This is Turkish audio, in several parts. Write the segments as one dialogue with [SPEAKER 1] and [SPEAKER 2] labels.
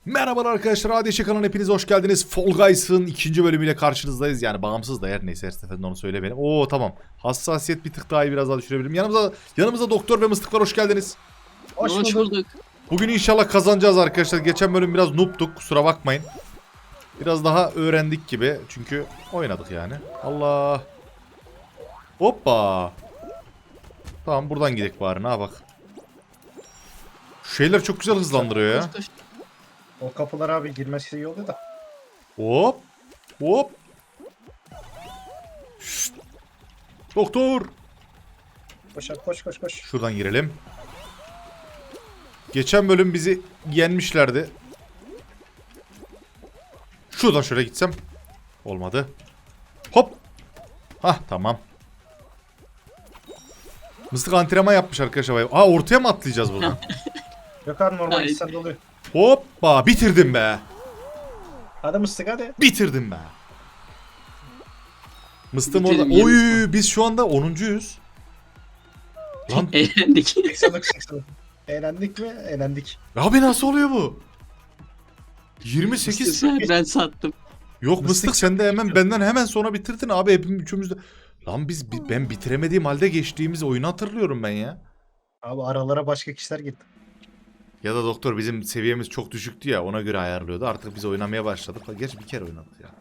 [SPEAKER 1] Merhabalar arkadaşlar, ADŞ kanalına hepiniz hoş geldiniz. Fall Guys'ın ikinci bölümüyle karşınızdayız. Yani bağımsız da her neyse, her seferinde onu söylemeyelim. Oo tamam. Hassasiyet bir tık daha iyi, biraz daha düşürebilirim. Yanımıza doktor ve mıstık var, hoş geldiniz.
[SPEAKER 2] Hoş bulduk.
[SPEAKER 1] Bugün inşallah kazanacağız arkadaşlar. Geçen bölüm biraz noob'tuk, kusura bakmayın. Biraz daha öğrendik gibi. Çünkü oynadık yani. Allah. Hoppa. Tamam, buradan gidelim bari, ne bak. Şu şeyler çok güzel hızlandırıyor ya.
[SPEAKER 2] Koş, koş.
[SPEAKER 3] O kapılar abi girmesi iyi oluyor da.
[SPEAKER 1] Hop. Hop. Şşt. Doktor.
[SPEAKER 3] Koş abi, koş koş koş.
[SPEAKER 1] Şuradan girelim. Geçen bölüm bizi yenmişlerdi. Şuradan şöyle gitsem. Olmadı. Hop. Hah tamam. Mıstık antrenman yapmış arkadaşlar. Aa, ortaya mı atlayacağız buradan?
[SPEAKER 3] Yok abi normal
[SPEAKER 2] Hayır.
[SPEAKER 3] insan oluyor.
[SPEAKER 1] Hoppa, bitirdim be.
[SPEAKER 3] Hadi mıstık hadi.
[SPEAKER 1] Bitirdim be. Mıstığım orada.
[SPEAKER 2] Bitirdim,
[SPEAKER 1] Oy, biz şu anda 10'uncuyuz. Lan
[SPEAKER 2] Eğlendik.
[SPEAKER 3] 80'lık 80'lık. Eğlendik mi? Eğlendik.
[SPEAKER 1] abi nasıl oluyor bu? 28.
[SPEAKER 2] Ben sattım.
[SPEAKER 1] Yok
[SPEAKER 3] Mıstık
[SPEAKER 1] mıstık, sen de hemen benden hemen sonra bitirdin abi, hepimiz üçümüz de. Lan ben bitiremediğim halde geçtiğimiz oyunu hatırlıyorum ben ya.
[SPEAKER 3] Abi aralara başka kişiler girdi.
[SPEAKER 1] Ya da doktor bizim seviyemiz çok düşüktü ya, ona göre ayarlıyordu. Artık biz oynamaya başladık. Gerçi bir kere oynadık ya.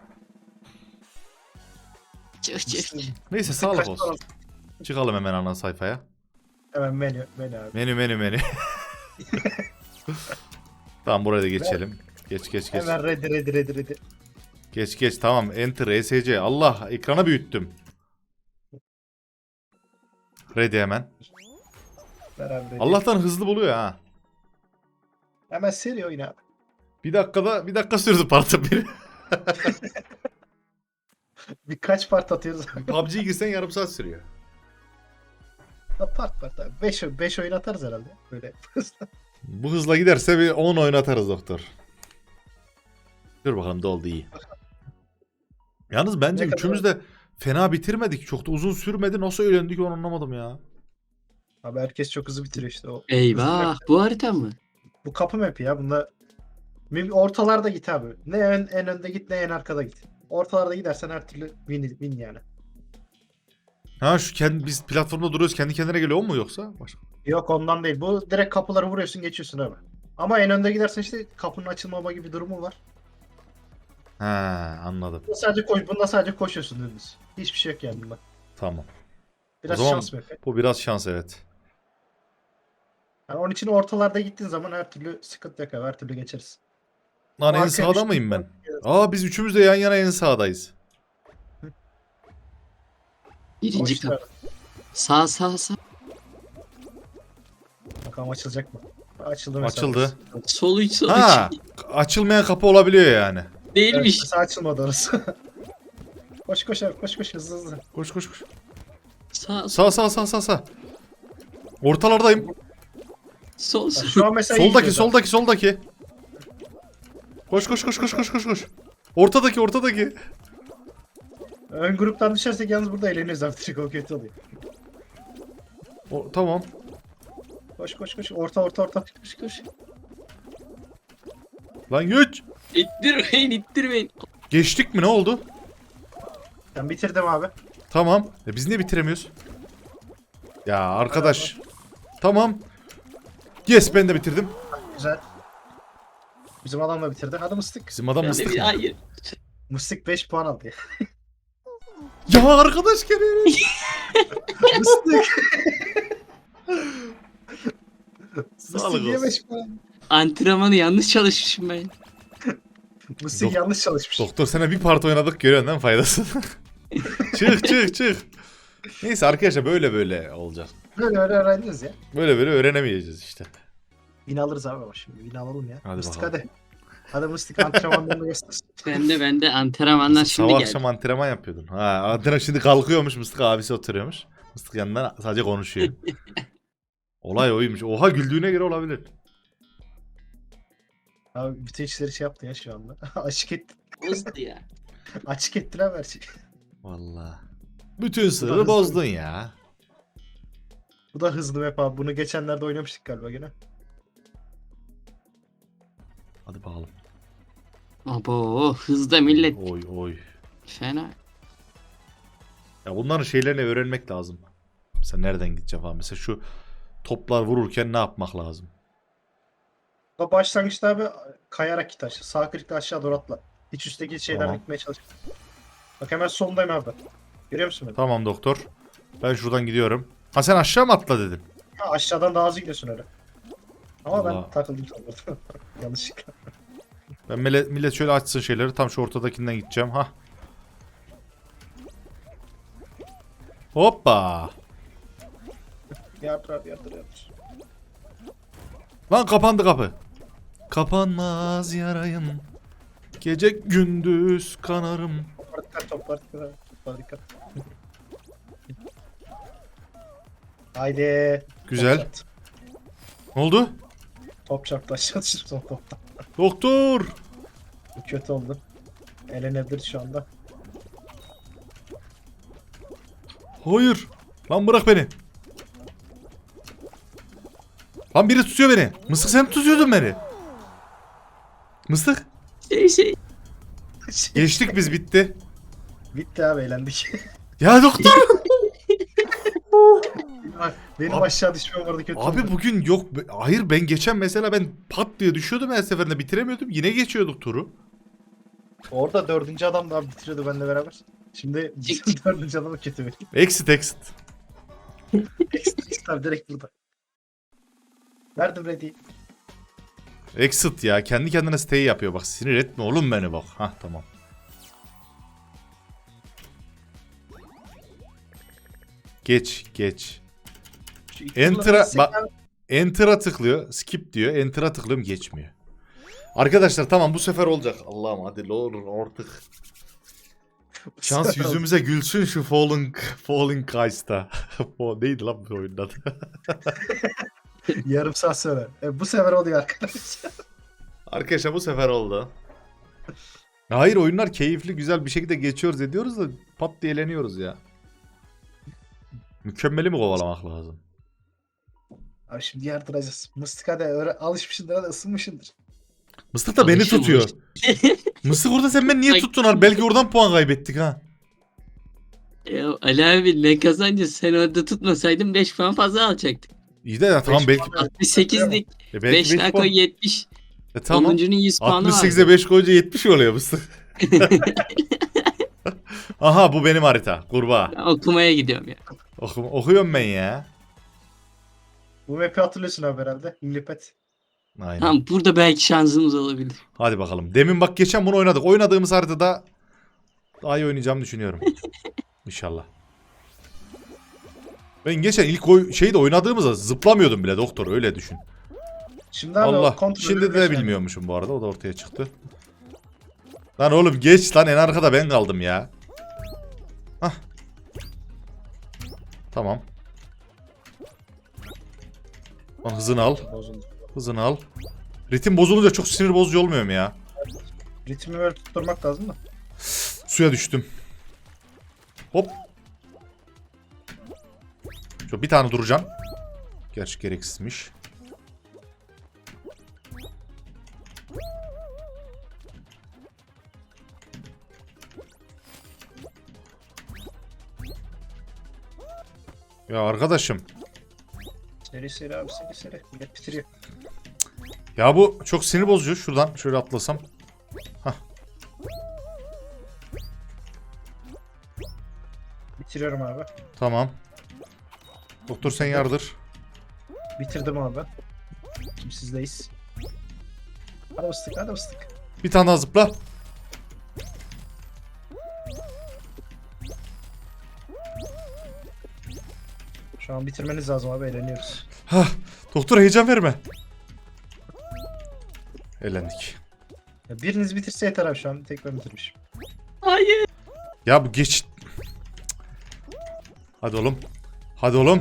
[SPEAKER 2] Çık.
[SPEAKER 1] Neyse, sağlık olsun. Çıkalım hemen ana sayfaya.
[SPEAKER 3] Hemen menü abi.
[SPEAKER 1] Menü. Tamam, buraya da geçelim. Geç.
[SPEAKER 3] Hemen ready.
[SPEAKER 1] Geç tamam. Enter ESC. Allah, ekrana büyüttüm. Ready hemen.
[SPEAKER 3] Ver abi ready.
[SPEAKER 1] Allah'tan hızlı buluyor ha.
[SPEAKER 3] Hemen seri oyna abi.
[SPEAKER 1] Bir dakika sürdü partı biri.
[SPEAKER 3] Birkaç part atıyoruz.
[SPEAKER 1] PUBG'ye girsen yarım saat sürüyor.
[SPEAKER 3] part abi. 5 oyun atarız herhalde. Böyle.
[SPEAKER 1] Bu hızla giderse bir 10 oyun atarız doktor. Dur bakalım, doldu iyi. Yalnız bence
[SPEAKER 3] Ne kadar-
[SPEAKER 1] üçümüz de fena bitirmedik. Çok da uzun sürmedi. Nasıl öğrendik onu anlamadım ya.
[SPEAKER 3] Abi herkes çok hızlı bitiriyor işte. O
[SPEAKER 2] Eyvah, bu harita mı?
[SPEAKER 3] Bu kapı map'i ya. Bunda ortalarda git abi. Ne en önde git ne en arkada git. Ortalarda gidersen her türlü win yani.
[SPEAKER 1] Ha, biz platformda duruyoruz, kendi kendine geliyor mu yoksa? Başka.
[SPEAKER 3] Yok ondan değil. Bu direkt kapıları vuruyorsun geçiyorsun abi. Ama en önde gidersen işte kapının açılmama gibi bir durumu var.
[SPEAKER 1] Ha, anladım.
[SPEAKER 3] Bunda sadece koşuyorsun dümdüz. Hiçbir şey yok yani bunda.
[SPEAKER 1] Tamam.
[SPEAKER 3] Biraz
[SPEAKER 1] O zaman
[SPEAKER 3] şans map'i.
[SPEAKER 1] bu biraz şans, evet.
[SPEAKER 3] Yani onun için ortalarda gittiğin zaman her türlü sıkıntı yok abi. Her türlü geçeriz.
[SPEAKER 1] Lan en
[SPEAKER 3] Arkaya
[SPEAKER 1] sağda
[SPEAKER 3] düştüm.
[SPEAKER 1] mıyım ben? Aa, biz üçümüz de yan yana en sağdayız.
[SPEAKER 2] Birinci
[SPEAKER 3] Koştu
[SPEAKER 2] kapı.
[SPEAKER 3] abi.
[SPEAKER 2] Sağ.
[SPEAKER 3] Bakalım açılacak mı? Açıldı mesela.
[SPEAKER 1] Açıldı.
[SPEAKER 2] Sol 3.
[SPEAKER 1] Ha, açılmayan kapı olabiliyor yani.
[SPEAKER 3] Evet,
[SPEAKER 2] Değilmiş.
[SPEAKER 3] mesela açılmadı orası. koş abi koş hızlı.
[SPEAKER 1] Koş.
[SPEAKER 2] Sağ.
[SPEAKER 1] Sağ. Ortalardayım.
[SPEAKER 2] Sol.
[SPEAKER 3] Şu an mesela iyi gidiyoruz abi.
[SPEAKER 1] Soldaki. Koş. Ortadaki.
[SPEAKER 3] Ön gruptan düşersek yalnız burada eğleniyoruz abi. Direkt o kötü oluyor.
[SPEAKER 1] Tamam.
[SPEAKER 3] Koş. Orta.
[SPEAKER 2] Koş.
[SPEAKER 1] Lan güç.
[SPEAKER 2] İttirmeyin.
[SPEAKER 1] Geçtik mi, ne oldu?
[SPEAKER 3] Ben bitirdim abi.
[SPEAKER 1] Tamam. Biz niye bitiremiyoruz? Ya arkadaş. Tamam. Yes, ben de bitirdim.
[SPEAKER 3] Güzel. Bizim adam da bitirdi. Hadi mıstık.
[SPEAKER 1] Bizim adam mıstık mı?
[SPEAKER 2] Hayır.
[SPEAKER 3] Mıstık 5 puan aldı ya.
[SPEAKER 1] Ya arkadaş gene.
[SPEAKER 3] Mıstık.
[SPEAKER 1] Sağlık
[SPEAKER 3] Mıstık niye
[SPEAKER 1] olsun.
[SPEAKER 3] 5 puan?
[SPEAKER 2] Antrenmanı yanlış çalışmışım ben.
[SPEAKER 3] Mıstık
[SPEAKER 1] Dok-
[SPEAKER 3] yanlış çalışmış.
[SPEAKER 1] Doktor, sana bir part oynadık, görüyorsun değil mi faydasını? çık. Neyse arkadaşlar, böyle olacak.
[SPEAKER 3] Böyle öğrendiniz ya.
[SPEAKER 1] Böyle öğrenemeyeceğiz işte.
[SPEAKER 3] Win alırız abi ama şimdi. Win alalım ya.
[SPEAKER 1] Hadi
[SPEAKER 3] Mıstık
[SPEAKER 1] bakalım.
[SPEAKER 3] hadi. Hadi Mıstık antrenmanlarını göster.
[SPEAKER 2] Ben de antrenmanlar şimdi
[SPEAKER 1] Sabah
[SPEAKER 2] geldi.
[SPEAKER 1] akşam antrenman yapıyordun. Ha, antrenman şimdi kalkıyormuş, Mıstık abisi oturuyormuş. Mıstık yanından sadece konuşuyor. Olay oymuş. Oha, güldüğüne göre olabilir.
[SPEAKER 3] Abi bütün işleri şey yaptı ya şu anda. Açık etti.
[SPEAKER 2] Bozdu ya.
[SPEAKER 3] Açık ettiler her şeyi.
[SPEAKER 1] Vallahi. Bütün sırrı
[SPEAKER 3] hızlı.
[SPEAKER 1] bozdun ya.
[SPEAKER 3] Bu da hızlı map abi. Bunu geçenlerde oynamıştık galiba gene.
[SPEAKER 1] Hadi bakalım.
[SPEAKER 2] Abo hızda millet.
[SPEAKER 1] Oy oy.
[SPEAKER 2] Fena.
[SPEAKER 1] Ya bunların şeylerini öğrenmek lazım. Mesela nereden gideceğim falan. Mesela şu toplar vururken ne yapmak lazım?
[SPEAKER 3] Da başlangıçta abi kayarak git aşağı. Sağ klikle aşağı doğru atla. Hiç üstteki şeylerden
[SPEAKER 1] Tamam.
[SPEAKER 3] gitmeye çalış. Bak hemen solundayım abi. Görüyor musun beni?
[SPEAKER 1] Tamam doktor. Ben şuradan gidiyorum. Ha sen aşağı mı atla dedin?
[SPEAKER 3] Ha, aşağıdan daha hızlı gidiyorsun öyle. Ama
[SPEAKER 1] Allah.
[SPEAKER 3] ben takıldım sandım. Yanlışlıkla.
[SPEAKER 1] Ben millet şöyle açsın şeyleri. Tam şu ortadakinden gideceğim. Ha. Hoppa.
[SPEAKER 3] Yardır abi yardır.
[SPEAKER 1] Lan kapandı kapı. Kapanmaz yarayım. Gece gündüz kanarım.
[SPEAKER 3] Toplar dikkat. Haydi.
[SPEAKER 1] Güzel.
[SPEAKER 3] Top çarptı.
[SPEAKER 1] Ne oldu?
[SPEAKER 3] Top çarptı aşağı düştü son topta.
[SPEAKER 1] Doktor.
[SPEAKER 3] Bu kötü oldu. Elenebilir şu anda.
[SPEAKER 1] Hayır. Lan bırak beni. Lan biri tutuyor beni. Mısık sen mi tutuyordun beni? Mısık.
[SPEAKER 2] Şey.
[SPEAKER 1] Geçtik biz bitti.
[SPEAKER 3] Bitti abi eğlendik.
[SPEAKER 1] Ya doktor.
[SPEAKER 3] Benim
[SPEAKER 1] Abi-
[SPEAKER 3] aşağı düşmem vardı kötü
[SPEAKER 1] Abi
[SPEAKER 3] oldu.
[SPEAKER 1] bugün yok. Hayır ben geçen mesela ben pat diye düşüyordum her seferinde bitiremiyordum. Yine geçiyorduk turu.
[SPEAKER 3] Orada dördüncü adam da abi bitiriyordu benimle beraber. Şimdi bizim dördüncü adamı kötü veriyor.
[SPEAKER 1] Exit.
[SPEAKER 3] Ekstra direkt burada. Verdim ready.
[SPEAKER 1] Exit ya. Kendi kendine stay yapıyor. Bak sinir etme oğlum beni bak. Hah tamam. Geç.
[SPEAKER 3] Şu iki
[SPEAKER 1] Enter'a
[SPEAKER 3] kullanıcısı
[SPEAKER 1] bak.
[SPEAKER 3] abi-
[SPEAKER 1] Enter'a tıklıyor. Skip diyor. Enter'a tıklıyorum geçmiyor. Arkadaşlar tamam bu sefer olacak. Allah'ım hadi ne olur artık. Şans yüzümüze gülsün şu Falling Guys'ta. O neydi lan bu oyunun adı?
[SPEAKER 3] Yarım saat sonra. Bu sefer oluyor arkadaşlar.
[SPEAKER 1] Arkadaşlar bu sefer oldu. Hayır oyunlar keyifli güzel bir şekilde geçiyoruz ediyoruz da pat diye eğleniyoruz ya. Mükemmeli mi kovalamak lazım?
[SPEAKER 3] Abi şimdi yardıracağız. Mıstıka da öyle alışmışındır da ısınmışındır.
[SPEAKER 1] Mıstık da beni
[SPEAKER 2] Alışım
[SPEAKER 1] tutuyor. Mıstık orada sen beni niye
[SPEAKER 2] Ay.
[SPEAKER 1] tuttun abi? Belki oradan puan kaybettik ha.
[SPEAKER 2] Ya Ali abi ne kazancı sen orada tutmasaydın 5 puan fazla alacaktık.
[SPEAKER 1] İyi de ya tamam
[SPEAKER 3] Beş
[SPEAKER 1] belki.
[SPEAKER 3] puan-
[SPEAKER 2] 68'lik
[SPEAKER 1] Belki
[SPEAKER 2] 5
[SPEAKER 1] beş
[SPEAKER 2] daha
[SPEAKER 1] puan.
[SPEAKER 2] koy 70.
[SPEAKER 1] Tamam.
[SPEAKER 2] 10'uncunun 100 puanı var.
[SPEAKER 1] 68'e 5 koyunca 70 oluyor Mıstık. Aha bu benim harita. Kurbağa.
[SPEAKER 2] Ben okumaya gidiyorum ya.
[SPEAKER 1] Okuyorum ben ya.
[SPEAKER 3] Bu map'i hatırlıyorsun abi herhalde. Lillipet.
[SPEAKER 1] Aynen.
[SPEAKER 2] Tamam burada belki şansımız olabilir.
[SPEAKER 1] Hadi bakalım. Demin bak geçen bunu oynadık. Oynadığımız haritada daha iyi oynayacağımı düşünüyorum. İnşallah. Ben geçen ilk şeyde oynadığımızda zıplamıyordum bile doktor öyle düşün.
[SPEAKER 3] Şimdi abi
[SPEAKER 1] Allah.
[SPEAKER 3] o kontrolü
[SPEAKER 1] Şimdi de
[SPEAKER 3] biliyorsun abi.
[SPEAKER 1] bilmiyormuşum bu arada. O da ortaya çıktı. Lan oğlum geç lan en arkada ben kaldım ya. Hah. Tamam. Lan hızını al.
[SPEAKER 3] Bozuldu.
[SPEAKER 1] Hızını al. Ritim bozulunca çok sinir bozucu olmuyor mu ya?
[SPEAKER 3] Ritmi böyle tutturmak lazım da.
[SPEAKER 1] Suya düştüm. Hop. Şu bir tane duracağım. Gerçi gereksizmiş. Ya arkadaşım.
[SPEAKER 3] Seri abi seri. Millet bitiriyor.
[SPEAKER 1] Ya bu çok sinir bozucu. Şuradan şöyle atlasam.
[SPEAKER 3] Bitiriyorum abi.
[SPEAKER 1] Tamam. Doktor sen yardır.
[SPEAKER 3] Bitirdim abi. Şimdi sizdeyiz. Hadi ıslık hadi ıslık.
[SPEAKER 1] Bir tane daha zıpla.
[SPEAKER 3] Şu an bitirmeniz lazım abi eğleniyoruz.
[SPEAKER 1] Hah. Doktor heyecan verme. Eğlendik.
[SPEAKER 3] Ya biriniz bitirse yeter abi şu an. Tek ben bitirmişim.
[SPEAKER 2] Hayır.
[SPEAKER 1] Ya bu geç. Hadi oğlum. Hadi oğlum.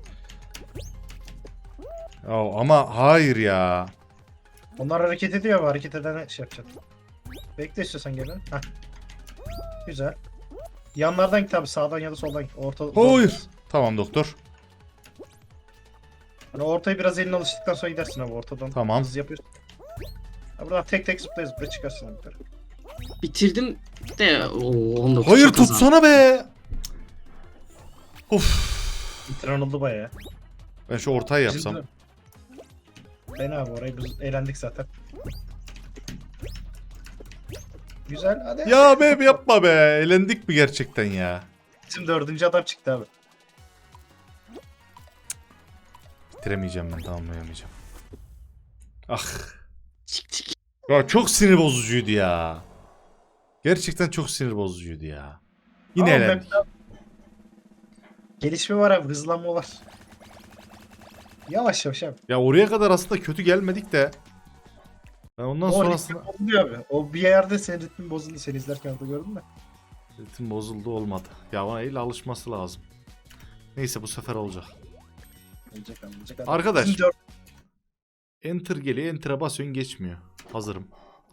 [SPEAKER 1] Ya ama hayır ya.
[SPEAKER 3] Onlar hareket ediyor ama hareket eden şey yapacak. Bekle istiyorsan gelin. Heh. Güzel. Yanlardan git abi sağdan ya da soldan git.
[SPEAKER 1] Hayır. Tamam doktor.
[SPEAKER 3] Hani ortayı biraz eline alıştıktan sonra gidersin abi ortadan.
[SPEAKER 1] Tamam.
[SPEAKER 3] Hızlı yapıyorsun. Ha, buradan tek tek zıplaya zıplaya çıkarsın yukarı.
[SPEAKER 2] Bitirdim de 19
[SPEAKER 1] Hayır
[SPEAKER 2] çok az abi.
[SPEAKER 1] tutsana be. Of.
[SPEAKER 3] Bitiren oldu bayağı.
[SPEAKER 1] Ben şu ortayı
[SPEAKER 3] Bizim
[SPEAKER 1] yapsam.
[SPEAKER 3] de- Ben abi orayı biz eğlendik zaten. Güzel hadi.
[SPEAKER 1] Ya be yapma be. Elendik mi gerçekten ya?
[SPEAKER 3] Bizim 4. adam çıktı abi.
[SPEAKER 1] Bitiremeyeceğim ben, tamamlayamayacağım. Ah.
[SPEAKER 2] Çık çık.
[SPEAKER 1] Ya çok sinir bozucuydu ya. Gerçekten çok sinir bozucuydu ya. Yine
[SPEAKER 3] Ama
[SPEAKER 1] elendik.
[SPEAKER 3] map'te gelişme var abi, hızlanma var. Yavaş yavaş abi.
[SPEAKER 1] Ya oraya kadar aslında kötü gelmedik de. Ben ondan
[SPEAKER 3] O
[SPEAKER 1] sonrasında
[SPEAKER 3] ritmi bozuluyor abi. O bir yerde senin ritmin bozuldu. Seni izlerken orada gördün mü?
[SPEAKER 1] ritim bozuldu, olmadı. Ya ona el alışması lazım. Neyse bu sefer olacak.
[SPEAKER 3] Olacak abi, olacak abi.
[SPEAKER 1] Arkadaş.
[SPEAKER 3] Bizim
[SPEAKER 1] Enter geliyor, enter'a basıyorsun, geçmiyor. Hazırım.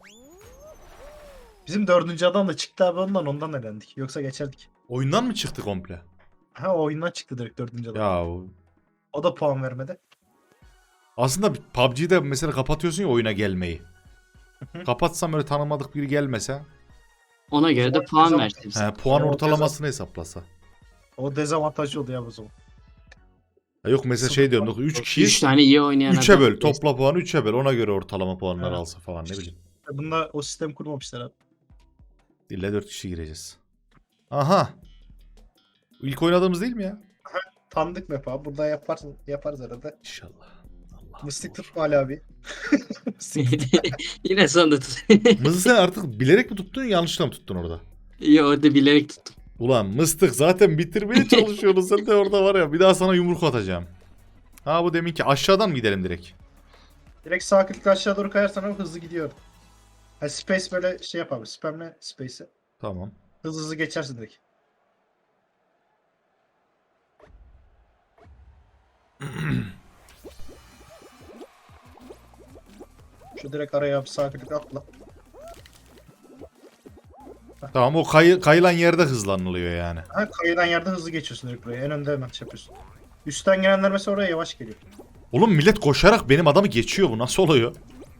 [SPEAKER 3] Bizim 4. adam da çıktı abi, ondan elendik. Yoksa geçerdik.
[SPEAKER 1] Oyundan mı çıktı komple?
[SPEAKER 3] Ha, o oyundan çıktı direkt 4. adam.
[SPEAKER 1] Ya
[SPEAKER 3] O da puan vermedi.
[SPEAKER 1] aslında PUBG'de mesela kapatıyorsun ya oyuna gelmeyi. Kapatsam öyle tanımadık biri gelmese,
[SPEAKER 2] Ona göre de
[SPEAKER 3] O
[SPEAKER 2] puan
[SPEAKER 3] zaman-
[SPEAKER 2] versin.
[SPEAKER 1] puan
[SPEAKER 3] O
[SPEAKER 1] ortalamasını hesaplasa.
[SPEAKER 3] O dezavantajlı oldu ya o zaman.
[SPEAKER 1] Ya yok mesela şey diyorum, 3
[SPEAKER 2] 3
[SPEAKER 1] kişiyiz.
[SPEAKER 2] tane iyi oynayan
[SPEAKER 1] 3'e
[SPEAKER 2] adam.
[SPEAKER 1] böl. Topla puanı 3'e böl. Ona göre ortalama puanları
[SPEAKER 3] Ha.
[SPEAKER 1] alsa falan, ne bileyim.
[SPEAKER 3] Bunda o sistem kurmamışlar abi.
[SPEAKER 1] İlla 4 kişi gireceğiz. Aha. İlk oynadığımız değil mi ya?
[SPEAKER 3] Tanıdık map abi. Burada yaparız arada.
[SPEAKER 1] İnşallah. Allah.
[SPEAKER 3] Mıstık tutma Ali abi.
[SPEAKER 2] Yine sonunda tut.
[SPEAKER 1] Mızı sen artık bilerek mi tuttun, yanlışla mı tuttun orada?
[SPEAKER 2] İyi orada bilerek tuttum.
[SPEAKER 1] Ulan mıstık, zaten bitirmeye çalışıyorsun sen de orada var ya, bir daha sana yumruk atacağım. Ha bu deminki aşağıdan mı gidelim direkt?
[SPEAKER 3] Direkt sağ klik aşağı doğru kayarsan abi hızlı gidiyor. Ha, space böyle şey yap abi. Spamle space'i.
[SPEAKER 1] Tamam.
[SPEAKER 3] Hızlı hızlı geçersin direkt. Şu direkt araya abi sağ klik atla.
[SPEAKER 1] Tamam, o kayılan yerde hızlanılıyor yani.
[SPEAKER 3] Ha, kayılan yerde hızlı geçiyorsun direkt buraya. En önde hemen şey yapıyorsun. Üstten gelenler mesela oraya yavaş geliyor.
[SPEAKER 1] Oğlum millet koşarak benim adamı geçiyor, bu nasıl oluyor?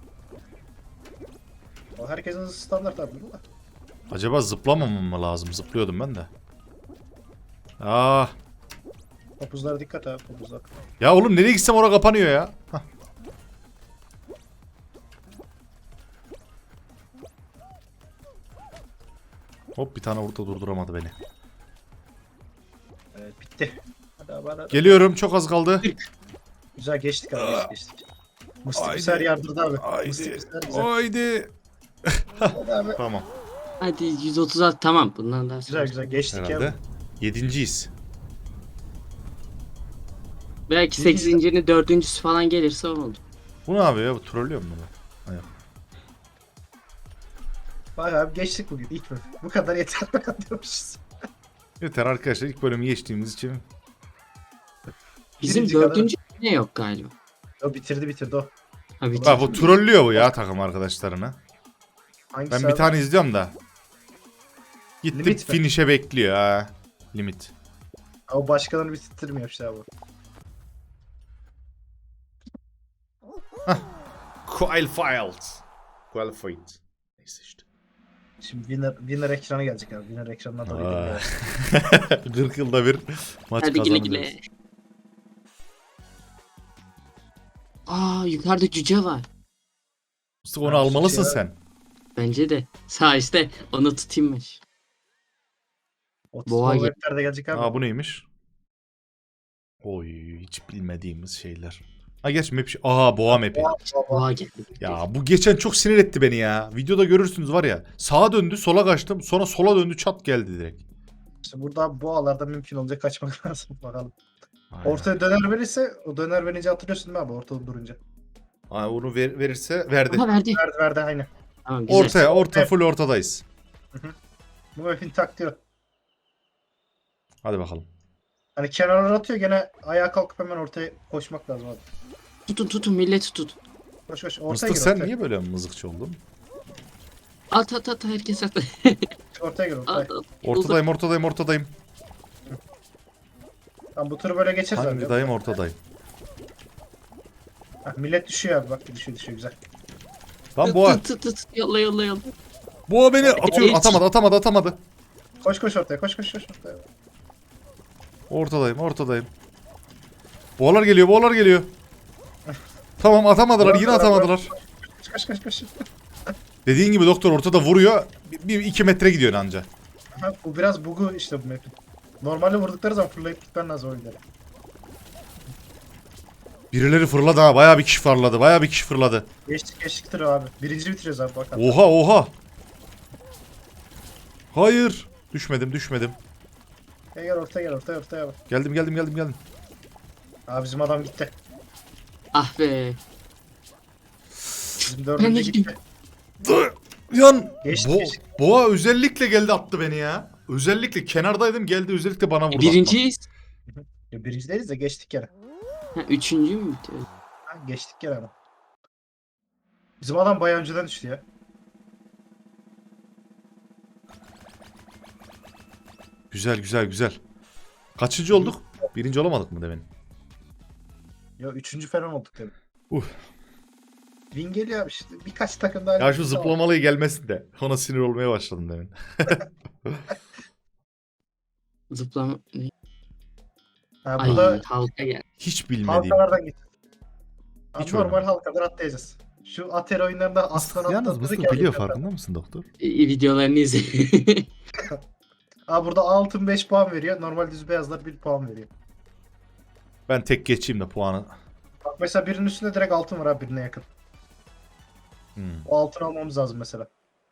[SPEAKER 3] O herkesin hızı standart abi. Bu da.
[SPEAKER 1] Acaba zıplamamam mı lazım? Zıplıyordum ben de. Ah.
[SPEAKER 3] Topuzlara dikkat abi, topuzlar.
[SPEAKER 1] Ya oğlum nereye gitsem oraya kapanıyor ya. Hah. Hop, bir tane orada durduramadı beni.
[SPEAKER 3] Evet, bitti. Hadi abi hadi.
[SPEAKER 1] Geliyorum, çok az kaldı.
[SPEAKER 3] Güzel geçtik abi, geçtik. Mıstık
[SPEAKER 1] Haydi.
[SPEAKER 3] bir ser yardırdı abi. Mıstık
[SPEAKER 1] Haydi.
[SPEAKER 3] bir ser güzel.
[SPEAKER 1] Haydi.
[SPEAKER 3] Hadi abi.
[SPEAKER 1] Tamam.
[SPEAKER 2] Hadi 136 tamam. Bundan daha
[SPEAKER 3] Güzel güzel geçtik
[SPEAKER 1] Herhalde.
[SPEAKER 3] ya.
[SPEAKER 1] 7.yiz.
[SPEAKER 2] Belki 8.'nin 4.'sü falan gelirse oldu.
[SPEAKER 1] Bu ne yapıyor ya? Bu trollüyor mu bunu? Hayır.
[SPEAKER 3] Bak abi geçtik bugün ilk bölüm. Bu kadar yeter diyormuşuz.
[SPEAKER 1] Yeter arkadaşlar, ilk bölümü geçtiğimiz için.
[SPEAKER 2] Bizim
[SPEAKER 3] Birinci kadar.
[SPEAKER 2] 4. ne yok galiba.
[SPEAKER 3] O bitirdi o.
[SPEAKER 2] Ha, bitirdi.
[SPEAKER 1] Bak bu trollüyor bu ya takım arkadaşlarını.
[SPEAKER 3] Hangisi
[SPEAKER 1] Ben
[SPEAKER 3] abi?
[SPEAKER 1] bir tane izliyorum da. Gitti
[SPEAKER 3] Limit mi?
[SPEAKER 1] finish'e bekliyor ha. Limit.
[SPEAKER 3] Ha, o başkalarını bitirtmiyor işte abi.
[SPEAKER 1] Qualified. Neyse işte.
[SPEAKER 3] Şimdi winner ekranı gelecek abi. Winner ekranına doğru
[SPEAKER 1] Aa.
[SPEAKER 3] gidelim.
[SPEAKER 1] 40 yılda bir maç
[SPEAKER 2] Hadi güle
[SPEAKER 1] kazanıyoruz.
[SPEAKER 2] güle. Aa yukarıda cüce var.
[SPEAKER 1] Mustafa onu almalısın
[SPEAKER 3] Ya.
[SPEAKER 1] sen.
[SPEAKER 2] Bence de. Sağ işte onu tutayım ben. Boğa
[SPEAKER 3] Boğa
[SPEAKER 2] gel-
[SPEAKER 3] weblerde gelecek abi.
[SPEAKER 1] Aa bu neymiş? Oy, hiç bilmediğimiz şeyler. Ha geç map. Aha boğa map'i.
[SPEAKER 2] Boğa geldi.
[SPEAKER 1] Ya bu geçen çok sinir etti beni ya. Videoda görürsünüz var ya. Sağa döndü, sola kaçtım. Sonra sola döndü, çat geldi direkt.
[SPEAKER 3] İşte burada boğalarda mümkün olacak kaçmak lazım bakalım.
[SPEAKER 1] Aynen.
[SPEAKER 3] Ortaya döner verirse o döner verince hatırlıyorsun değil mi abi ortada durunca?
[SPEAKER 1] Aa, onu verirse verdi.
[SPEAKER 2] Aha verdi.
[SPEAKER 3] Verdi aynı.
[SPEAKER 2] Tamam güzel.
[SPEAKER 1] Orta full ortadayız.
[SPEAKER 3] Bu map'in taktiği o.
[SPEAKER 1] Hadi bakalım.
[SPEAKER 3] Hani kenarlara atıyor gene ayağa kalkıp hemen ortaya koşmak lazım abi.
[SPEAKER 2] Tutun milleti tut.
[SPEAKER 3] Koş ortaya
[SPEAKER 1] Mustafa
[SPEAKER 3] gir
[SPEAKER 1] sen
[SPEAKER 3] ortaya.
[SPEAKER 1] niye böyle mızıkçı oldun?
[SPEAKER 2] At herkes at.
[SPEAKER 3] Ortaya gir ortaya.
[SPEAKER 2] At.
[SPEAKER 1] Ortadayım.
[SPEAKER 3] Tamam bu turu böyle geçeriz abi.
[SPEAKER 1] Ortadayım.
[SPEAKER 3] Heh, millet düşüyor abi bak düşüyor güzel.
[SPEAKER 1] Lan boğa.
[SPEAKER 2] Tut. Yolla yolla.
[SPEAKER 1] Boğa beni atıyor.
[SPEAKER 2] Geç.
[SPEAKER 1] Atamadı.
[SPEAKER 3] Koş ortaya koş ortaya.
[SPEAKER 1] Ortadayım. Boğalar geliyor. Tamam atamadılar, yine atamadılar.
[SPEAKER 3] Koş.
[SPEAKER 1] Dediğin gibi doktor ortada vuruyor. 2 metre gidiyor anca.
[SPEAKER 3] Ha, bu biraz bugu işte bu map'in. Normalde vurdukları zaman fırlayıp gitmen lazım oyunlara.
[SPEAKER 1] Birileri fırladı ha. Bayağı bir kişi fırladı.
[SPEAKER 3] Geçtiktir abi. Birinci bitiriyoruz abi bakalım.
[SPEAKER 1] Oha. Hayır. Düşmedim.
[SPEAKER 3] Gel ortaya bak.
[SPEAKER 1] Geldim.
[SPEAKER 3] Abi bizim adam gitti.
[SPEAKER 2] Ah be.
[SPEAKER 3] Bizim
[SPEAKER 2] Ben de
[SPEAKER 3] dördüncü
[SPEAKER 2] gideyim.
[SPEAKER 3] gitti.
[SPEAKER 1] Yan.
[SPEAKER 3] Geçti.
[SPEAKER 1] Boğa özellikle geldi attı beni ya. Özellikle kenardaydım geldi özellikle bana vurdu.
[SPEAKER 2] Birinciyiz.
[SPEAKER 3] Ya birinci değiliz de geçtik gene.
[SPEAKER 2] Ha, üçüncü mü bitiyor?
[SPEAKER 3] Ha, geçtik gene ama. Bizim adam bayağı önceden düştü ya.
[SPEAKER 1] Güzel. Kaçıncı olduk? Birinci olamadık mı demin?
[SPEAKER 3] Ya üçüncü falan olduk tabii. Win geliyor abi işte. Birkaç takım daha.
[SPEAKER 1] Ya şu zıplamalıyı gelmesin de. Ona sinir olmaya başladım demin.
[SPEAKER 2] Zıplama.
[SPEAKER 3] Ha,
[SPEAKER 2] Ay
[SPEAKER 3] burada
[SPEAKER 2] halka gel.
[SPEAKER 1] Hiç bilmediğim.
[SPEAKER 3] halkalardan git. Abi
[SPEAKER 1] Hiç
[SPEAKER 3] normal
[SPEAKER 1] oynamadım.
[SPEAKER 3] halkadan atlayacağız. Şu Atari oyunlarında aslan
[SPEAKER 1] Yalnız
[SPEAKER 3] atladık
[SPEAKER 1] Mısır
[SPEAKER 3] ya.
[SPEAKER 1] biliyor farkında mısın doktor?
[SPEAKER 2] Videolarını izle.
[SPEAKER 3] Abi burada altın 5 puan veriyor. Normal düz beyazlar 1 puan veriyor.
[SPEAKER 1] Ben tek geçeyim de puanı.
[SPEAKER 3] Bak mesela birinin üstünde direkt altın var abi birine yakın. O altın almamız lazım mesela.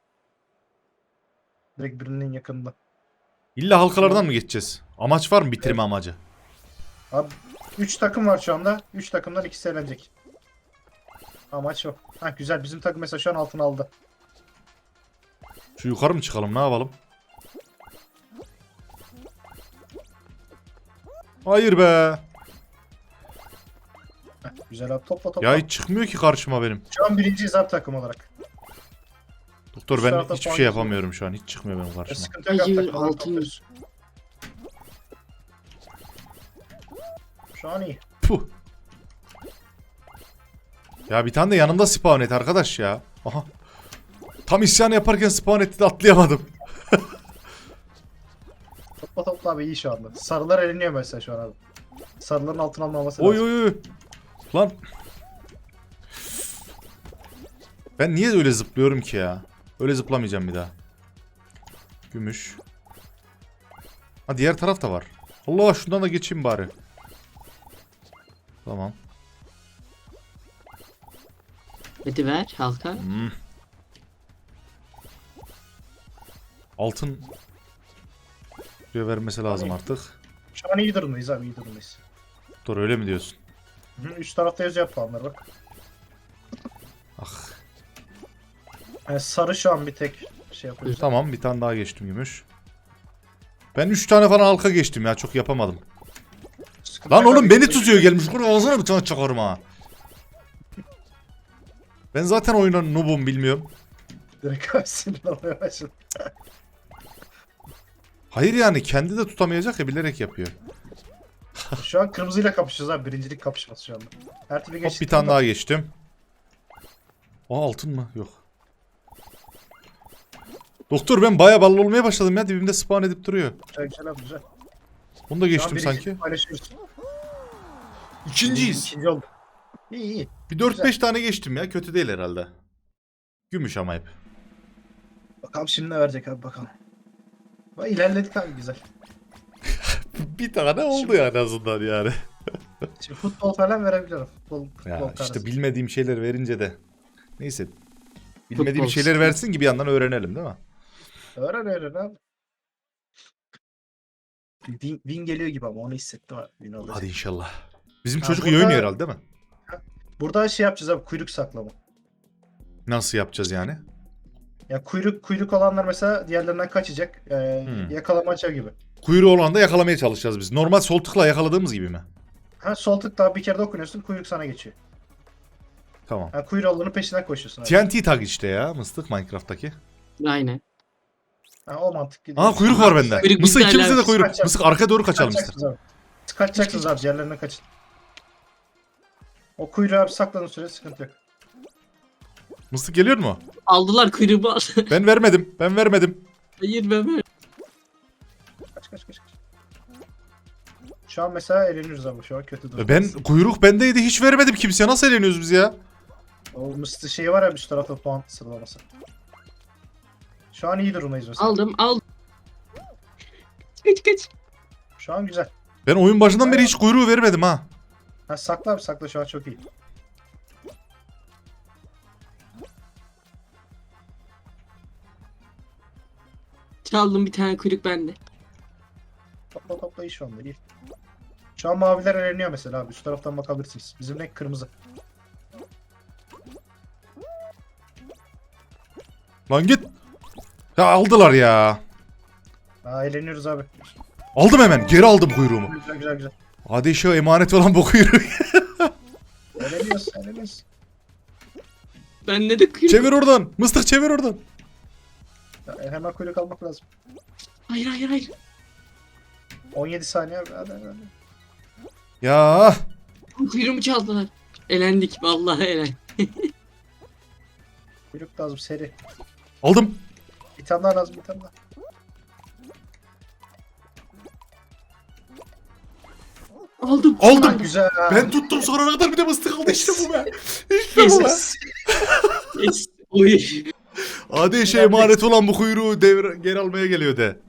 [SPEAKER 3] Direkt birinin yakınında.
[SPEAKER 1] İlla halkalardan mı geçeceğiz? Amaç var mı bitirme amacı?
[SPEAKER 3] Abi 3 takım var şu anda. 3 takımdan ikisi elenecek. Amaç o. Ha güzel bizim takım mesela şu an altın aldı.
[SPEAKER 1] Şu yukarı mı çıkalım ne yapalım? Hayır be.
[SPEAKER 3] Heh, güzel abi topla.
[SPEAKER 1] Ya hiç çıkmıyor ki karşıma benim.
[SPEAKER 3] Şu an birinciyiz abi takım olarak.
[SPEAKER 1] Doktor
[SPEAKER 3] Şu
[SPEAKER 1] ben
[SPEAKER 3] tarafta
[SPEAKER 1] hiçbir
[SPEAKER 3] puan
[SPEAKER 1] şey
[SPEAKER 3] geçiyor.
[SPEAKER 1] yapamıyorum şu an. Hiç çıkmıyor benim karşıma.
[SPEAKER 3] Sıkıntı yok abi
[SPEAKER 2] Hayır,
[SPEAKER 3] takımları
[SPEAKER 2] altın.
[SPEAKER 3] topluyoruz. Şu an iyi.
[SPEAKER 1] Puh. Ya bir tane de yanımda spawn et arkadaş ya. Aha. Tam isyan yaparken spawn etti de atlayamadım.
[SPEAKER 3] Topla abi iyi şu anda. Sarılar eleniyor mesela şu an abi. Sarıların altın almaması
[SPEAKER 1] Oy
[SPEAKER 3] lazım.
[SPEAKER 1] oy. Lan. Ben niye öyle zıplıyorum ki ya? Öyle zıplamayacağım bir daha. Gümüş. Ha diğer taraf da var. Allah şundan da geçeyim bari. Tamam.
[SPEAKER 2] Hadi ver halka.
[SPEAKER 1] Altın buraya vermesi lazım artık.
[SPEAKER 3] Şu an iyi durumdayız abi iyi durumdayız.
[SPEAKER 1] Dur öyle mi diyorsun?
[SPEAKER 3] Üst tarafta yazıyor puanlar bak.
[SPEAKER 1] Ah.
[SPEAKER 3] Yani sarı şu an bir tek şey yapıyor.
[SPEAKER 1] Tamam bir tane daha geçtim gümüş. Ben 3 tane falan halka geçtim ya çok yapamadım.
[SPEAKER 3] Sıkıntı
[SPEAKER 1] Lan
[SPEAKER 3] yok
[SPEAKER 1] oğlum
[SPEAKER 3] abi.
[SPEAKER 1] beni tutuyor gelmiş. Kurban ağzına bir tane çakarım ha. Ben zaten oyunun noob'um bilmiyorum.
[SPEAKER 3] Direkt abi sinir olmaya başladı.
[SPEAKER 1] Hayır yani kendi de tutamayacak ya bilerek yapıyor.
[SPEAKER 3] Şu an kırmızıyla kapışacağız abi. Birincilik kapışması şu anda. Her türlü
[SPEAKER 1] Hop
[SPEAKER 3] geçtik.
[SPEAKER 1] bir tane daha geçtim. Aa altın mı? Yok. Doktor ben bayağı ballı olmaya başladım ya. Dibimde spawn edip duruyor.
[SPEAKER 3] Güzel abi güzel.
[SPEAKER 1] Bunu da
[SPEAKER 3] Şu an
[SPEAKER 1] geçtim
[SPEAKER 3] birincilik
[SPEAKER 1] sanki.
[SPEAKER 3] paylaşıyoruz.
[SPEAKER 1] İkinciyiz.
[SPEAKER 3] İkinci olduk. İyi.
[SPEAKER 1] Bir 4-5 tane geçtim ya. Kötü değil herhalde. Gümüş ama hep.
[SPEAKER 3] Bakalım şimdi ne verecek abi bakalım. Bak ilerledik abi güzel.
[SPEAKER 1] Bir tane oldu yani en azından yani.
[SPEAKER 3] Şimdi futbol falan verebilirim. Futbol
[SPEAKER 1] Ya
[SPEAKER 3] tarzı.
[SPEAKER 1] işte bilmediğim şeyler verince de. Neyse. Bilmediğim
[SPEAKER 2] Futbol
[SPEAKER 1] şeyler versin ki bir yandan öğrenelim değil mi?
[SPEAKER 3] Öğren abi. Win geliyor gibi ama onu hissettim abi. Win olacak.
[SPEAKER 1] Hadi inşallah. Bizim
[SPEAKER 3] Ha,
[SPEAKER 1] çocuk iyi
[SPEAKER 3] burada-
[SPEAKER 1] oynuyor herhalde değil mi?
[SPEAKER 3] Burada şey yapacağız abi kuyruk saklama.
[SPEAKER 1] Nasıl yapacağız yani?
[SPEAKER 3] Ya kuyruk olanlar mesela diğerlerinden kaçacak. Yakalamaca gibi.
[SPEAKER 1] Kuyruğu olan da yakalamaya çalışacağız biz. Normal sol tıkla yakaladığımız gibi mi?
[SPEAKER 3] Ha sol tıkla bir kere dokunuyorsun kuyruk sana geçiyor.
[SPEAKER 1] Tamam.
[SPEAKER 3] Ha kuyruğu olanın peşinden koşuyorsun abi.
[SPEAKER 1] TNT tag işte ya mıstık Minecraft'taki.
[SPEAKER 2] Aynen.
[SPEAKER 3] Ha, o mantık gidiyor.
[SPEAKER 1] Aa kuyruk var bende.
[SPEAKER 2] Kuyruk
[SPEAKER 1] Mısır
[SPEAKER 2] bizde
[SPEAKER 1] ikimize de
[SPEAKER 2] hala.
[SPEAKER 1] kuyruk.
[SPEAKER 3] Kaçacak.
[SPEAKER 1] Mısır arkaya doğru kaçalım ister.
[SPEAKER 3] Kaçacaksınız abi. Kaçacaksınız abi diğerlerine kaçın. O kuyruğu abi saklanın süre sıkıntı yok.
[SPEAKER 1] Mıstık geliyor mu?
[SPEAKER 2] Aldılar kuyruğumu aldı.
[SPEAKER 1] Ben vermedim. Ben vermedim.
[SPEAKER 2] Hayır ben.
[SPEAKER 3] Kaç. Şu an mesela eğleniyoruz ama şu an kötü durum.
[SPEAKER 1] Ben kuyruk bendeydi. Hiç vermedim kimseye. Nasıl eğleniyoruz biz ya?
[SPEAKER 3] O mıstı şeyi var ya üst tarafta puan sıralaması. Şu an iyi durumdayız mesela.
[SPEAKER 2] Aldım. Kaç.
[SPEAKER 3] Şu an güzel.
[SPEAKER 1] Ben oyun başından beri hiç kuyruğu vermedim ha.
[SPEAKER 3] Ha, sakla abi sakla şu an çok iyi.
[SPEAKER 2] Çaldım bir tane kuyruk bende.
[SPEAKER 3] Topla iyi şu anda iyi. Şu an maviler eğleniyor mesela abi. Üst taraftan bakabilirsiniz. Bizim renk kırmızı.
[SPEAKER 1] Lan git. Ya aldılar ya.
[SPEAKER 3] Ha, eğleniyoruz abi.
[SPEAKER 1] Aldım hemen. Geri aldım kuyruğumu.
[SPEAKER 3] Güzel.
[SPEAKER 1] Hadi şu emanet olan bu kuyruğu.
[SPEAKER 3] Eğleniyoruz.
[SPEAKER 2] Bende de kuyruk.
[SPEAKER 1] Çevir oradan. Mıstık çevir oradan.
[SPEAKER 3] Ya, hemen kuyruk almak lazım.
[SPEAKER 2] Hayır.
[SPEAKER 3] 17 saniye abi. Hadi.
[SPEAKER 1] Ya.
[SPEAKER 2] Kuyruğumu çaldılar. Elendik. Vallahi elendik.
[SPEAKER 3] Kuyruk lazım seri.
[SPEAKER 1] Aldım.
[SPEAKER 3] Bir tane daha lazım bir tane daha.
[SPEAKER 2] Aldım.
[SPEAKER 3] Ha,
[SPEAKER 1] Aldım.
[SPEAKER 3] güzel.
[SPEAKER 1] Ben tuttum sonuna kadar bir de mıstık aldı işte bu be. İşte bu be.
[SPEAKER 2] Yes. Oy.
[SPEAKER 1] Hadi şey emanet olan bu kuyruğu geri almaya geliyor de.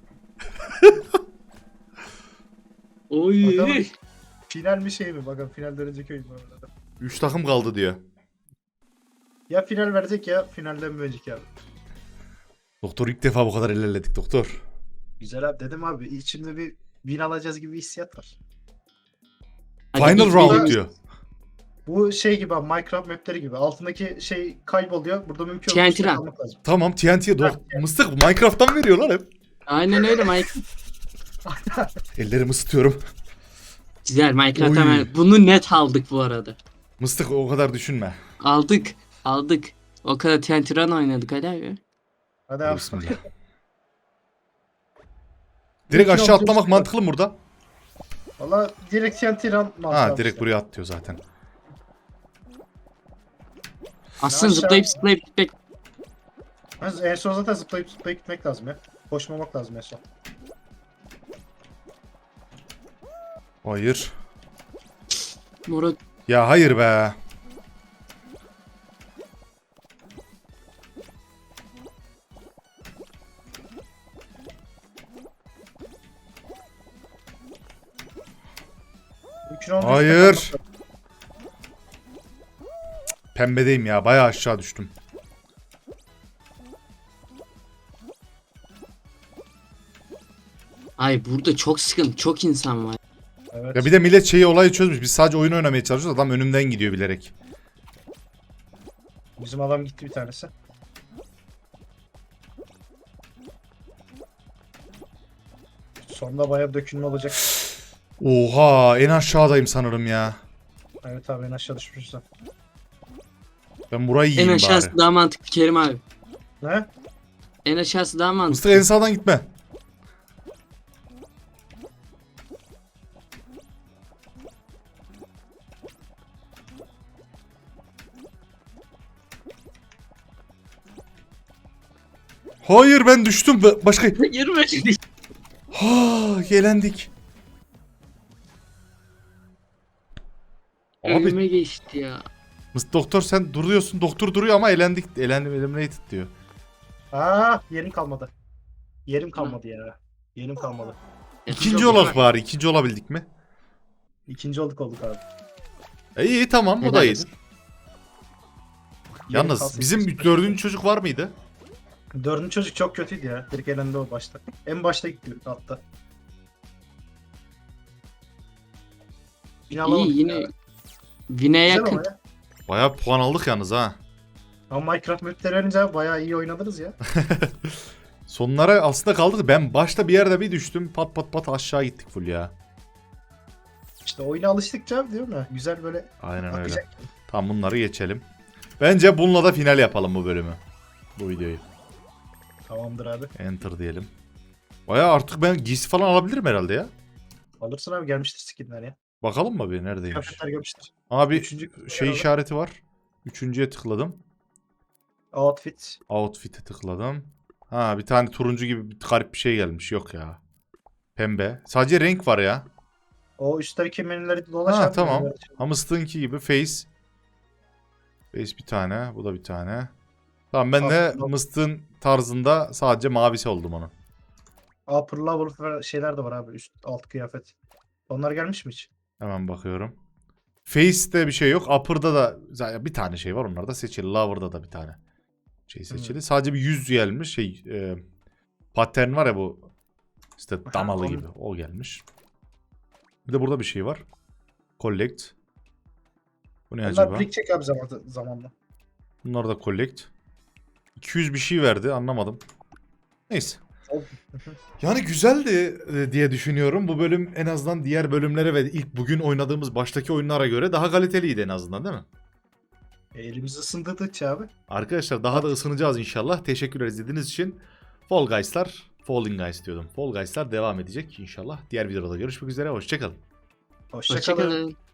[SPEAKER 2] Oy.
[SPEAKER 3] Bakalım. Final mi şey mi? Bakın final dönecek oyun bu arada.
[SPEAKER 1] 3 takım kaldı diyor.
[SPEAKER 3] Ya final verecek ya finalden mi önceki abi.
[SPEAKER 1] Doktor ilk defa bu kadar ilerledik doktor.
[SPEAKER 3] Güzel abi dedim abi içimde bir win alacağız gibi bir hissiyat var.
[SPEAKER 2] Hadi
[SPEAKER 1] Final
[SPEAKER 2] biz
[SPEAKER 1] round
[SPEAKER 2] benim-
[SPEAKER 1] diyor.
[SPEAKER 3] Bu şey gibi abi Minecraft mapleri gibi altındaki şey kayboluyor. Burada mümkün
[SPEAKER 2] TNT
[SPEAKER 3] olursa
[SPEAKER 2] run.
[SPEAKER 3] kalmak lazım.
[SPEAKER 1] Tamam TNT'ye mıstık Minecraft'tan veriyorlar hep.
[SPEAKER 2] Aynen öyle Mike.
[SPEAKER 1] Ellerimi ısıtıyorum.
[SPEAKER 2] Güzel Minecraft'tan
[SPEAKER 1] Oy.
[SPEAKER 2] bunu net aldık bu arada.
[SPEAKER 1] Mıstık o kadar düşünme.
[SPEAKER 2] Aldık. O kadar TNT Run oynadık hadi abi.
[SPEAKER 3] Hadi abi.
[SPEAKER 1] Bismillah. Direkt aşağı atlamak mantıklı mı burada?
[SPEAKER 3] Valla direkt TNT run mantığı
[SPEAKER 1] Ha
[SPEAKER 3] abi
[SPEAKER 1] direkt
[SPEAKER 3] işte.
[SPEAKER 1] buraya at diyor zaten.
[SPEAKER 2] Aslında
[SPEAKER 3] Aşağı-
[SPEAKER 2] zıplayıp gitmek.
[SPEAKER 3] En son zaten zıplayıp gitmek lazım ya. Koşmamak lazım en son.
[SPEAKER 1] Hayır.
[SPEAKER 2] Murat.
[SPEAKER 1] Ya hayır be.
[SPEAKER 3] Mümkün olduğu
[SPEAKER 1] Hayır.
[SPEAKER 3] üstte kalmak lazım.
[SPEAKER 1] Pembedeyim ya bayağı aşağı düştüm.
[SPEAKER 2] Ay burada çok sıkıntı, çok insan var.
[SPEAKER 3] Evet.
[SPEAKER 1] Ya bir de millet şeyi olayı çözmüş. Biz sadece oyun oynamaya çalışıyoruz. Adam önümden gidiyor bilerek.
[SPEAKER 3] Bizim adam gitti bir tanesi. Sonunda bayağı bir dökülme olacak.
[SPEAKER 1] Oha en aşağıdayım sanırım ya.
[SPEAKER 3] Evet abi en aşağı düşmüşsün.
[SPEAKER 1] Ben burayı
[SPEAKER 2] En
[SPEAKER 1] yiyeyim
[SPEAKER 2] aşağısı
[SPEAKER 1] bari.
[SPEAKER 2] daha mantıklı Kerim abi.
[SPEAKER 3] Ne?
[SPEAKER 2] En aşağısı daha mantıklı.
[SPEAKER 1] Mıstık en sağdan gitme. Hayır ben düştüm. Başka...
[SPEAKER 2] Yürüme.
[SPEAKER 1] Ha, elendik. Abi
[SPEAKER 2] Önüme geçti ya.
[SPEAKER 1] doktor sen duruyorsun. Doktor duruyor ama elendik. Elendim eliminated diyor.
[SPEAKER 3] Aa yerim kalmadı. Yerim kalmadı ya. Yerim kalmadı.
[SPEAKER 1] İkinci olarak bari. İkinci olabildik mi?
[SPEAKER 3] İkinci olduk abi.
[SPEAKER 1] İyi tamam o
[SPEAKER 2] Helal
[SPEAKER 1] da iyi.
[SPEAKER 2] olsun.
[SPEAKER 3] Yerim
[SPEAKER 1] Yalnız
[SPEAKER 3] kalsın.
[SPEAKER 1] bizim dördüncü çocuk var mıydı?
[SPEAKER 3] Dördüncü çocuk çok kötüydü ya. Direkt elendi o başta. En başta gitti hatta. Yine alamadık
[SPEAKER 2] İyi yine.
[SPEAKER 3] ya.
[SPEAKER 2] Vine
[SPEAKER 3] Güzel
[SPEAKER 2] yakın.
[SPEAKER 3] ama ya.
[SPEAKER 1] Bayağı puan aldık yalnız ha.
[SPEAKER 3] Ama Minecraft mapleri verince bayağı iyi oynadınız ya.
[SPEAKER 1] Sonlara aslında kaldık. Ben başta bir yerde bir düştüm. Pat pat pat aşağı gittik full ya.
[SPEAKER 3] İşte oyuna alıştıkça değil mi? Güzel böyle
[SPEAKER 1] Aynen öyle.
[SPEAKER 3] akacak.
[SPEAKER 1] Tamam bunları geçelim. Bence bununla da final yapalım bu bölümü. Bu videoyu.
[SPEAKER 3] Tamamdır abi.
[SPEAKER 1] Enter diyelim. Bayağı artık ben giysi falan alabilirim herhalde ya.
[SPEAKER 3] Alırsın abi gelmiştir skinler ya.
[SPEAKER 1] Bakalım mı bir neredeymiş?
[SPEAKER 3] Kıyafetler gelmiştir.
[SPEAKER 1] Abi
[SPEAKER 3] Üçüncü
[SPEAKER 1] şey
[SPEAKER 3] alalım.
[SPEAKER 1] işareti var. Üçüncüye tıkladım.
[SPEAKER 3] Outfit.
[SPEAKER 1] Outfit'e tıkladım. Ha bir tane turuncu gibi bir garip bir şey gelmiş. Yok ya. Pembe. Sadece renk var ya.
[SPEAKER 3] O üstteki menüleri dolaş
[SPEAKER 1] Ha
[SPEAKER 3] abi,
[SPEAKER 1] tamam.
[SPEAKER 3] menüleri.
[SPEAKER 1] Hamster'ınki gibi face. Face bir tane. Bu da bir tane. Tamam ben de
[SPEAKER 3] Upper
[SPEAKER 1] Mıstığın tarzında sadece mavisi oldum onun.
[SPEAKER 3] Upper level şeyler de var abi. Üst alt kıyafet. Onlar gelmiş mi hiç?
[SPEAKER 1] Hemen bakıyorum. Face'te bir şey yok. Upper'da da zaten bir tane şey var. Onlar da seçili. Lower'da da bir tane şey seçili. Sadece bir yüz gelmiş. Pattern var ya bu. İşte
[SPEAKER 3] Aha,
[SPEAKER 1] damalı
[SPEAKER 3] onu-
[SPEAKER 1] gibi. O gelmiş. Bir de burada bir şey var. Collect. Bu ne
[SPEAKER 3] Onlar
[SPEAKER 1] acaba?
[SPEAKER 3] birikecek abi zamanla.
[SPEAKER 1] Bunlar da collect. 200 bir şey verdi. Anlamadım. Neyse. Yani güzeldi diye düşünüyorum. Bu bölüm en azından diğer bölümlere ve ilk bugün oynadığımız baştaki oyunlara göre daha kaliteliydi en azından değil mi?
[SPEAKER 3] Elimizi ısındırdıkça abi.
[SPEAKER 1] Arkadaşlar daha da ısınacağız inşallah. Teşekkürler izlediğiniz için. Falling Guys diyordum. Fall Guys'lar devam edecek inşallah. Diğer videoda görüşmek üzere. Hoşçakalın.
[SPEAKER 3] Hoşçakalın.
[SPEAKER 2] Hoşçakalın.